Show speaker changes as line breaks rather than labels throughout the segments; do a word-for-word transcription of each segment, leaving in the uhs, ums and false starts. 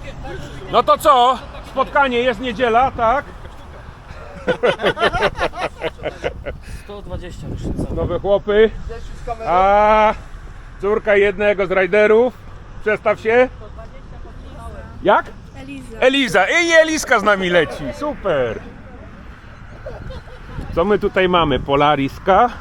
No to co? Spotkanie jest niedziela, tak?
sto dwadzieścia różnica.
Nowe chłopy. A córka jednego z rajderów. Przestaw się. Jak?
Eliza.
Eliza. I Eliska z nami leci. Super. Co my tutaj mamy? Polariska.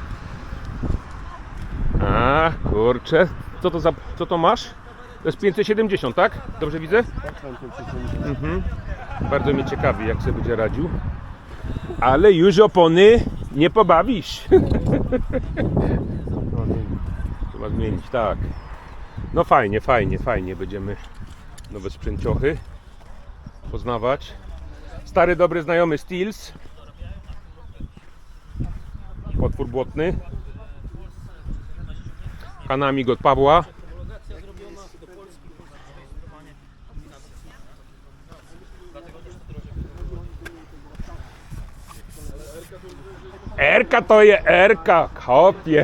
A kurczę. Co to za... Co to masz? To jest pięćset siedemdziesiąt, tak? Dobrze widzę? Mhm. Bardzo mnie ciekawi, jak sobie będzie radził. Ale już opony nie pobawisz. Trzeba zmienić, tak. No fajnie, fajnie, fajnie. Będziemy nowe sprzęciochy poznawać. Stary, dobry znajomy Steels. Potwór błotny. Kanamik od Pawła. Erka to je Erka, kopie.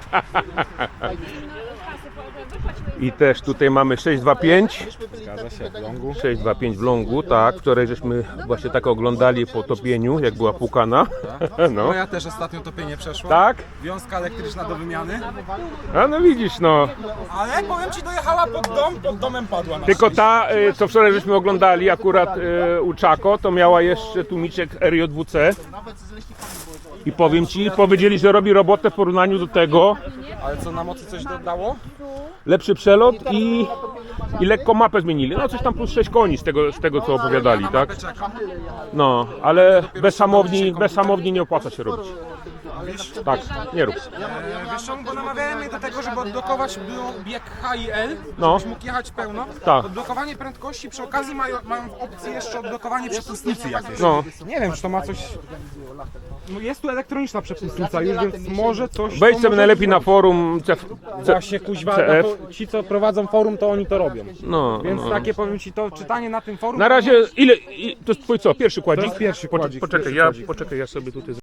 I też tutaj mamy sześć dwa pięć.
Zgadza się, w longu.
sześć dwa pięć w longu, tak. Wczoraj żeśmy właśnie tak oglądali po topieniu, jak była płukana. No.
Moja też ostatnio topienie przeszła.
Tak?
Wiązka elektryczna do wymiany.
A no widzisz, no.
Ale powiem ci, dojechała pod dom, pod domem padła na
Tylko ta, y, co wczoraj żeśmy oglądali akurat y, u Czako, to miała jeszcze tłumiczek R J W C. I powiem ci, powiedzieli, że robi robotę w porównaniu do tego.
Ale co, na mocy coś dodało?
Lepszy przelot i, i lekko mapę zmienili. No coś tam plus sześć koni z tego, z tego co opowiadali,
Na
tak?
mapę czekam.
No, ale bez hamowni, bez hamowni nie opłaca się robić. Tak, nie rób.
E, wiesz czemu, bo namawiałem mnie do tego, żeby odblokować bio- bieg H i L,
No.
żebyś mógł jechać pełno.
Tak.
Odblokowanie prędkości, przy okazji mają, mają w opcji jeszcze odblokowanie przepustnicy jakieś.
No.
Nie wiem, czy to ma coś... No jest tu elektroniczna przepustnica już, więc może coś...
Wejdź
to
sobie
może
najlepiej na forum C F.
Właśnie kuźwa,
C F.
na fo- ci co prowadzą forum, to oni to robią.
No,
Więc
no.
takie powiem ci, to czytanie na tym forum...
Na razie, ile, i- to jest twój co, pierwszy kładzik?
To jest pierwszy
Poczek-
kładzik,
Poczekaj,
pierwszy
ja,
kładzik.
poczekaj, ja sobie tutaj